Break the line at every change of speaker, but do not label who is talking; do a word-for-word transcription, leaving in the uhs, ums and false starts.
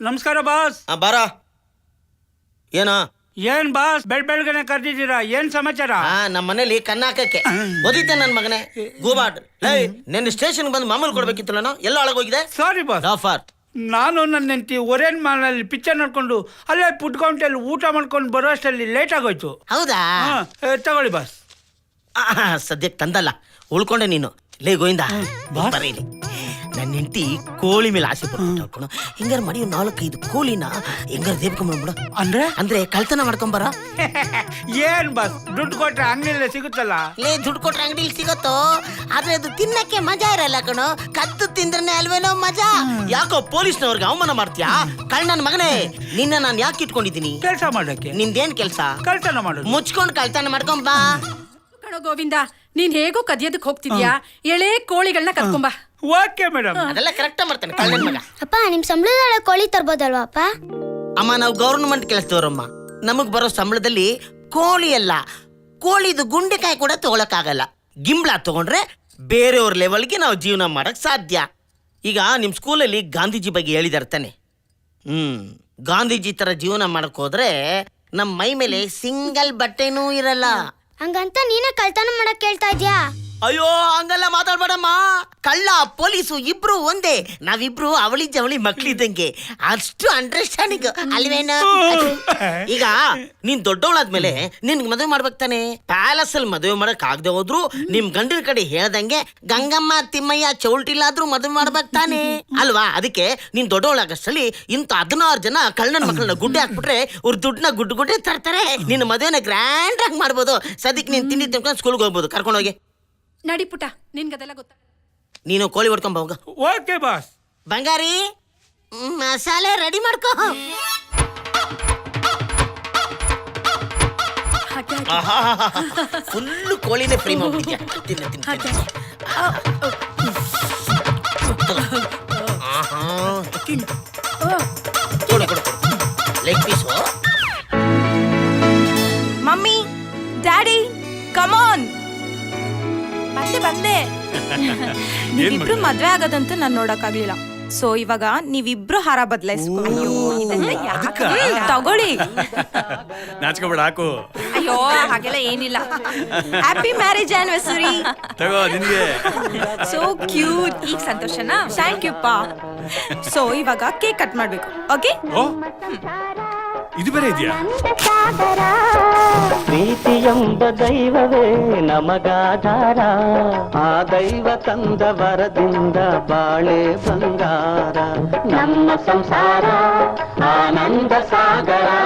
ನಮಸ್ಕಾರ ಬಾಸ್.
ಬಾರ. ಏನೋ
ಏನ್ ಬಾಸ್ ಬೆಳ್ ಬೆಳಗ್ಗೆನೆ ಕರ್ದಿದ್ದೀರಾ? ಏನ್ ಸಮಾಚಾರ?
ನಮ್ಮ ಮನೇಲಿ ಕನ್ನ ಹಾಕಕ್ಕೆ ಓದಿದ್ದೆ ನನ್ ಮಗನೇ ಗೂಬಾಟ್. ನಿನ್ನ ಸ್ಟೇಷನ್ ಬಂದು ಮಾಮೂಲು ಕೊಡ್ಬೇಕಿತ್ತು. ನಾನು ಎಲ್ಲ ಒಳಗೋಗಿದೆ.
Sorry boss.
ಆಫರ್.
ನಾನು ನನ್ನ ಹೆಂಡತಿ ಒರೇನ್ ಮಾಲ್ನಲ್ಲಿ ಪಿಕ್ಚರ್ ನೋಡ್ಕೊಂಡು ಅಲ್ಲೇ ಫುಡ್ ಕೌಂಟಲ್ಲಿ ಊಟ ಮಾಡ್ಕೊಂಡು ಬರೋ ಅಷ್ಟಲ್ಲಿ ಲೇಟ್ ಆಗೋಯ್ತು.
ಹೌದಾ?
ತಗೊಳ್ಳಿ ಬಾಸ್.
ಸದ್ಯಕ್ಕೆ ತಂದಲ್ಲ, ಉಳ್ಕೊಂಡೆ ನೀನು. ಲೇ ಗೋವಿಂದ, ಬರೀಲಿ. ನನ್ನ ಹೆಂಡತಿ ಕೋಳಿ ಮೇಲೆ ಆಸೆ ಪಡ್ಕೊಂಡು ಹಿಂಗಾರ ಮಾಡಿ ನಾಲ್ಕೈದು ಕೋಳಿನ ಹೆಂಗಾರ ದೇಬ್ಕೊಂಡ್ಬಿಡ.
ಅಂದ್ರೆ
ಅಂದ್ರೆ ಕಳ್ತನ ಮಾಡ್ಕೊಂಬರ.
ಏನ್ ಬಾಸ್, ದುಡ್ಡು ಕೊಟ್ರೆ ಅಂಗಡಿಯಲ್ಲೇ ಸಿಗುತ್ತಲ್ಲ.
ಲೇ, ದುಡ್ಡು ಕೊಟ್ರೆ ಅಂಗಡಿಲಿ ಸಿಗತ್ತೋ, ಆದ್ರೆ ಅದು ತಿನ್ನಕ್ಕೆ ಮಜಾ ಇರಲ್ಲ ಕಣೋ. ಕದ್ದು ತಿಂದ್ರೆ ಅಲ್ವೇನೋ ಮಜಾ. ಯಾಕೋ ಪೊಲೀಸ್ನವ್ರಿಗೆ ಅವಮಾನ ಮಾಡ್ತೀಯಾ? ಕಳ್ ನನ್ನ ಮಗನೇ, ನಿನ್ನ ನಾನು ಯಾಕೆ ಇಟ್ಕೊಂಡಿದ್ದೀನಿ?
ಕೆಲಸ ಮಾಡಕ್ಕೆ.
ನಿಂದೇನ್ ಕೆಲಸ?
ಕಳ್ತನ ಮಾಡೋದು.
ಮುಚ್ಕೊಂಡು ಕಳ್ತನ ಮಾಡ್ಕೊಂಬಾ.
ಕಣೋ ಗೋವಿಂದ, ನೀನ್ ಹೇಗೋ ಕದಿಯೋದಕ್ಕೆ ಹೋಗ್ತಿದ್ಯಾ, ಎಳೆ ಕೋಳಿಗಳನ್ನ ಕದ್ಕೊಂಬ.
Okay madam.
ಅದೆಲ್ಲ ಕರೆಕ್ಟ್ ಮಾಡ್ತಾನೆ ಕಳ್ಳನ ಮಗ.
ಅಪ್ಪ, ನಿಮ್ ಸಂಬಳದೊಳಗೆ ಕೋಳಿ ತರ್ಬೋದಲ್ವಾ ಅಪ್ಪ?
ಅಮ್ಮ, ನಾವು ಗೌರ್ಮೆಂಟ್ ಕೆಲಸದವ್ರಮ್ಮ. ನಮಗ್ ಬರೋ ಸಂಬಳದಲ್ಲಿ ಕೋಳಿ ಅಲ್ಲ, ಕೋಳಿದು ಗುಂಡೆಕಾಯಿ ಕೂಡ ತಗೊಳಕ್ಕಾಗಲ್ಲ. ಗಿಂಬ್ಳ ತಗೊಂಡ್ರೆ ಬೇರೆಯವ್ರ ಲೆವೆಲ್ಗೆ ನಾವು ಜೀವನ ಮಾಡಕ್ ಸಾಧ್ಯ. ಈಗ ನಿಮ್ ಸ್ಕೂಲಲ್ಲಿ ಗಾಂಧೀಜಿ ಬಗ್ಗೆ ಹೇಳಿದಾರೆ ತಾನೆ? ಹ್ಮ್ ಗಾಂಧೀಜಿ ತರ ಜೀವನ ಮಾಡಕ್ ಹೋದ್ರೆ ನಮ್ ಮೈ ಮೇಲೆ ಸಿಂಗಲ್ ಬಟ್ಟೆನೂ ಇರಲ್ಲ.
ಹಂಗಂತ ನೀನೇ ಕಳ್ತನ ಮಾಡಕ್ ಕೇಳ್ತಾ ಇದ್ಯಾ?
ಅಯ್ಯೋ, ಹಂಗಲ್ಲ ಮಾತಾಡ್ಬೇಡಮ್ಮ. ಕಳ್ಳ ಪೊಲೀಸು ಇಬ್ರು ಒಂದೇ. ನಾವಿಬ್ರು ಅವಳಿ ಜವಳಿ ಮಕ್ಳಿದ್ದಂಗೆ. ಅಷ್ಟು ಅಂಡರ್ಸ್ಟ್ಯಾಂಡಿಂಗ್ ಅಲ್ವೇನ? ಈಗ ನೀನ್ ದೊಡ್ಡವಳಾದ್ಮೇಲೆ ನಿನ್ಗೆ ಮದುವೆ ಮಾಡ್ಬೇಕು ತಾನೆ. ಪ್ಯಾಲೇಸ್ ಅಲ್ಲಿ ಮದುವೆ ಮಾಡಕ್ ಆಗದೆ ಹೋದ್ರು ನಿಮ್ ಗಂಡಿನ ಕಡೆ ಹೇಳ್ದಂಗೆ ಗಂಗಮ್ಮ ತಿಮ್ಮಯ್ಯ ಚೌಲ್ಟಿಲಾದ್ರೂ ಮದುವೆ ಮಾಡ್ಬೇಕು ತಾನೆ ಅಲ್ವಾ? ಅದಕ್ಕೆ ನೀನ್ ದೊಡ್ಡವಳಾಗಷ್ಟಲ್ಲಿ ಇಂತ ಹದಿನಾರು ಜನ ಕಳ್ಳನ ಮಕ್ಕಳನ್ನ ಗುಡ್ಡೆ ಹಾಕ್ಬಿಟ್ರೆ ಅವ್ರ ದುಡ್ಡನ್ನ ಗುಡ್ಡು ಗುಡ್ಡೆ ತರ್ತಾರೆ. ನಿನ್ನ ಮದುವೆನ ಗ್ರ್ಯಾಂಡ್ ಆಗಿ ಮಾಡ್ಬೋದು. ಸದ್ಯಕ್ಕೆ ನೀನ್ ತಿಂಡಿ ತಿನ್ಕೊಂಡು ಸ್ಕೂಲ್ಗೆ ಹೋಗ್ಬೋದು. ಕರ್ಕೊಂಡೋಗಿ
ನಡಿ ಪುಟ, ನಿನ್ಗದೆಲ್ಲ ಗೊತ್ತ.
ನೀನು ಕೋಳಿ ಹೊಡ್ಕೊಂಬ ಹೋಗ.
Okay boss.
ಬಂಗಾರಿ, ಮಸಾಲೆ ರೆಡಿ ಮಾಡ್ಕೋ. ಫುಲ್ಲು ಕೋಳಿನೇ ಫ್ರೈ ಮಾಡ್ಬಿಟ್ಟಿದ್ಯಾ. ತಿನ್ನ ತಿನ್ನ ಕೊಡು ಕೊಡು leg piece.
Mummy, daddy, come on. ಬಂದೆ ಬಂದೆ. ನೀವಿಬ್ರು ಮದ್ವೆ ಆಗೋದಂತೂ ನಾನು ನೋಡಕ್ಕಾಗ್ಲಿಲ್ಲ. ಸೊ ಇವಾಗ ನೀವಿಬ್ರು ಹಾರ ಬದಲಾಯಿಸ್ಕೊ. ತಗೊಳ್ಳಿ.
ನಾಚ್ಕೋಬೇಡ, ಹಾಕು.
ಅಯ್ಯೋ, ಹಾಗೆಲ್ಲ ಏನಿಲ್ಲ. Happy marriage anniversary.
ತಗೋ ನಿನ್ಗೆ.
So cute. ಈಗ ಸಂತೋಷನಾ? ಥ್ಯಾಂಕ್ ಯು ಪಾ. ಸೊ ಇವಾಗ ಕೇಕ್ ಕಟ್ ಮಾಡ್ಬೇಕು. ಓಕೆ?
ಓ, ಇದು ಬೇರೆ ಇದೆಯಾ?
ಪ್ರೀತಿಯೆಂಬ ದೈವವೇ ನಮಗಾಧಾರ, ಆ ದೈವ ತಂದ ವರದಿಂದ ಬಾಳೆ ಬಂಗಾರ. ನಮ್ಮ ಸಂಸಾರ ಆನಂದ ಸಾಗರ.